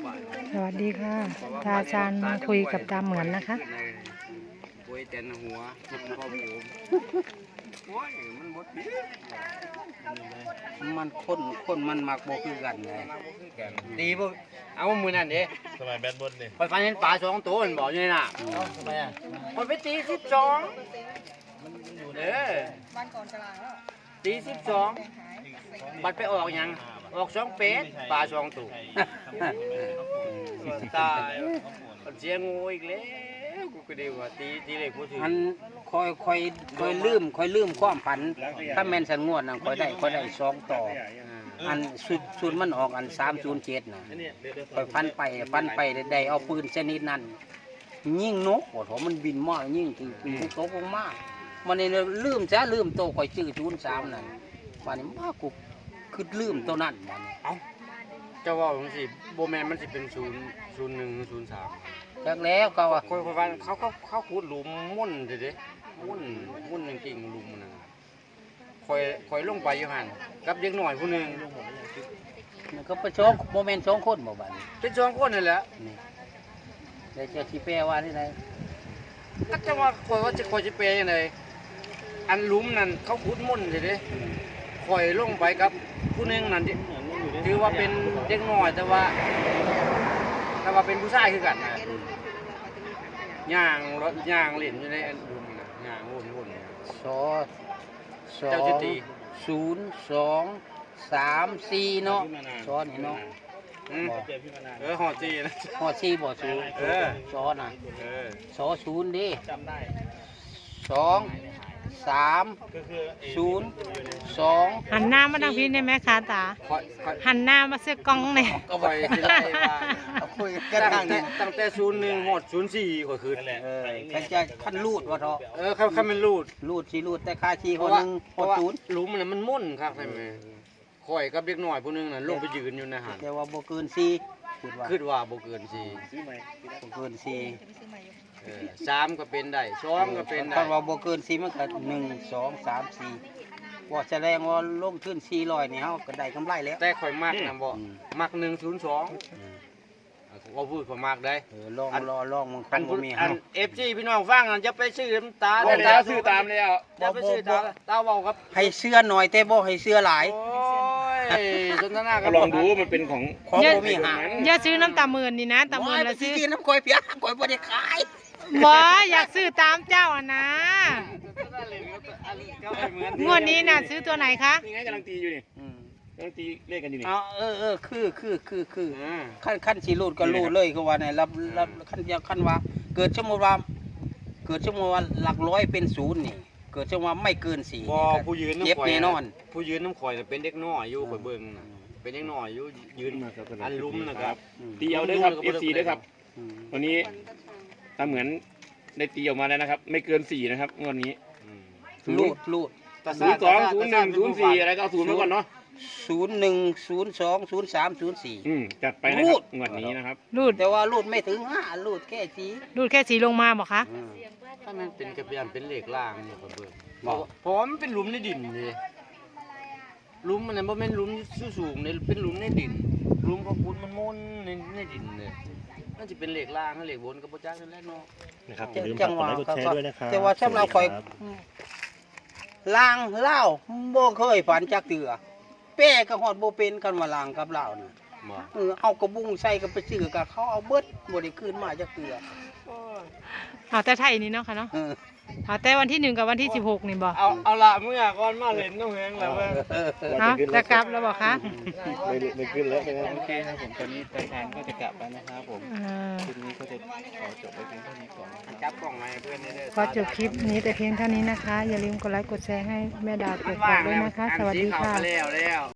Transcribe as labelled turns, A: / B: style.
A: สวัสดีค่ะตาชาญมาคุยกับตาเหมือนนะคะ
B: คุยแต่นหัวพ่อผมโอ้ยมันบดมันคนมันมักโบคือกันไงตีบ่เอามือนั่นดิ
C: สมัยแบดบอลนี่
B: ไปฟันเห็นปลา2 ตัวมันบอกอยู่นี่น่ะทำไมอ่ะมันไปตี12วันก่อนกลางแล้วตี12บัดไปออกยังออก2 เป็ดปลา2 ตัวตายเสียงูอีกแล้วกูก็ดีว่าตีเลยพูดถึงอันคอยลืมความฝันถ้าแม่นสันงวดน่ะคอยได้2 ต่ออันสุดมันออกอัน307น่ะคอยฟันไปได้เอาปืนชนิดนั้นยิงนกโอ้โหมันบินมายิงถึงตกลงมามันนี่ลืมโตคอยชื่อ03นั่นวันนี้มากูคือลืมตัวนั้นมันเอ้าเจ้าว่าจังซี่บ่แม่นมันสิเป็น001 03จากแล้วก็ว่าคนฟันเขาขุดหลุมมุ่นเด้มุ่นจริงๆหลุมนั่นคอยลงไปอยู่หั่นกับเด็กน้อยผู้นึงมันก็ไป2บ่แม่น2 คนบ่บัดนี้เป็น2 คนนั่นแหละนี่ได้เจ้าสิแปลว่าที่ไหนก็จะว่าคอยสิแปลจังได๋อันหลุมนั่นเขาขุดมุ่นเด้คอยลงไปกับผู้นึงนั่นถือว่าเป็นเด็กน้อยแต่ว่าเป็นผู้ชายคือกันนะย่างรถย่างเล่นอยู่ในอันดุมนะย่างวนเจ้าจิตี0234เนาะซ้อนเนาะหอจีนะหอจีบ่สูซ้อนน่ะซอ0ดิจำได้2 3 0 2
A: หันหน้ามาทางพี่ได้ไหมคะตาหันหน้ามาเสื้อกล้องเนี่ย
B: ก็ไปสิได้ว่าคุยกันตั้งแต่01 ฮอด 04ก็คือใครจะคันรูดว่าเถาะคันมันรูดแต่ค่าชีคนนึงฮอด0หลุมน่ะมันมุ่นครับใช่มั้ยข่อยกับเด็กน้อยผู้นึงน่ะลงไปยืนอยู่ในหันแต่ว่าบ่เกิน4คิดว่าบ่เกิน4ซื้อใหม่บ่เกิน4 3ก็เป็นได้2ก็เป็นได้ถ้าว่าบ่เกิน4มันก็1 2 3 4ว่าแสดงว่าลงทุน400นี่เฮาก็ได้กำไรแล้วแต่ข่อยมักนำบ่มัก102ว่าพูดข่อยมักได้ลองมันคงบ่มีอัน FG พี่น้องฟังจะไปซื้อน้ำตาซื้อตามแล้วจะไปซื้อตาเว้าครับให้เสื้อหน่อยแต่บ่ให้เสื้อหลายโอ้ยสนทนากัน
C: ลองดูมันเป็นของ
A: บ่มีหาอย่าซื้อน้ำตาหมื่นนี่นะตาหมื่นละซื้อ
B: น้ำข่อยเปียกข่อยบ่ได้ขาย
A: บ่อยากซื้อตามเจ้าอ่ะนะงวดนี้น่ะซื้อตัวไหนคะ
C: นี่ไงกำลังตีอยู่นี่กำลังตีเลขกันอยู่นี่
B: คือขั้นสิรูดก็รูดเลยคือว่าเนี่ยรับขั้นว่าเกิดชั่วโมงว่าหลักร้อยเป็น0นี่เกิดชั่วโมงไม่เกิน4บ่ผู้ยืนน้ำข่อยแน่นอนผู้ยืนน้ำข่อยเป็นเด็กน้อยอยู่ข่อยเบิ่งน่ะเป็นเด็กน้อยอยู่ยืนอันลุ่มนะครับ
C: ตีเอาเด้อครับ FC เด้อครับวันนี้ตาเหมือนได้ตีออกมาแล้วนะครับไม่เกิน4นะครับงวดนี้
B: รูด
C: 02 01 04อะไรก็0ไว้ก่อนเนาะ
B: 01 02 03 04
C: จัดไปนะครับงวดนี้นะครับ
A: รูด
B: แต่ว่ารูดไม่ถึง5รูดแค่
A: 4ลงมาบ่คะ
B: ถ้ามันเป็นกระเบียนเป็นเหล็กล่างเนี่ยเบิ่งเพราะมันเป็นหลุมในดินเลยหลุมมันบ่แม่นหลุมสูงๆเนี่ยเป็นหลุมในดินหลุมของคุณมันม่นในดินเลยน่าจะเป็นเหล็กล่างเหล็กบนก็บ่จักนั่นแหละเนาะ
C: นะครับอย่าลืมกดไลค์กดแชร์ด้วยนะครับ
B: แต่ว่าสำหรับข่อยล่างเล่าบ่เคยฝันจักเทื่อแป้ก็ฮอดบ่เป็นกันว่าล่างกับเล่าน่ะเอากระบุงใส่ก็ไปซื้อกับเขาเอาเบิดบ่ได้คืนมาจักเทื่อ
A: เอาแต่ไทยนี่เนาะค่ะเนาะเอาแต่วันที่1กับวันที่16นี่บ่
B: เอาละเมื่อก่อนมาเล่นน้องแฮงแล้ว
A: จะกลับแล้วบ่คะ
C: ไม่ขึ้นแล้ว
B: โอเคครับผมตอนนี้ตาชาญก็จะกลับแล้วนะครับผมคลิปนี้ก็จะขอจบไว้เพียงเท่านี้ก่อนจับกล่องมาให้เพื่อนได้
A: ขอจบคลิปนี้แต่เพียงเท่านี้นะคะอย่าลืมกดไลค์กดแชร์ให้แม่ดาตรวจสอบด้วยนะคะสวัสดีค่ะ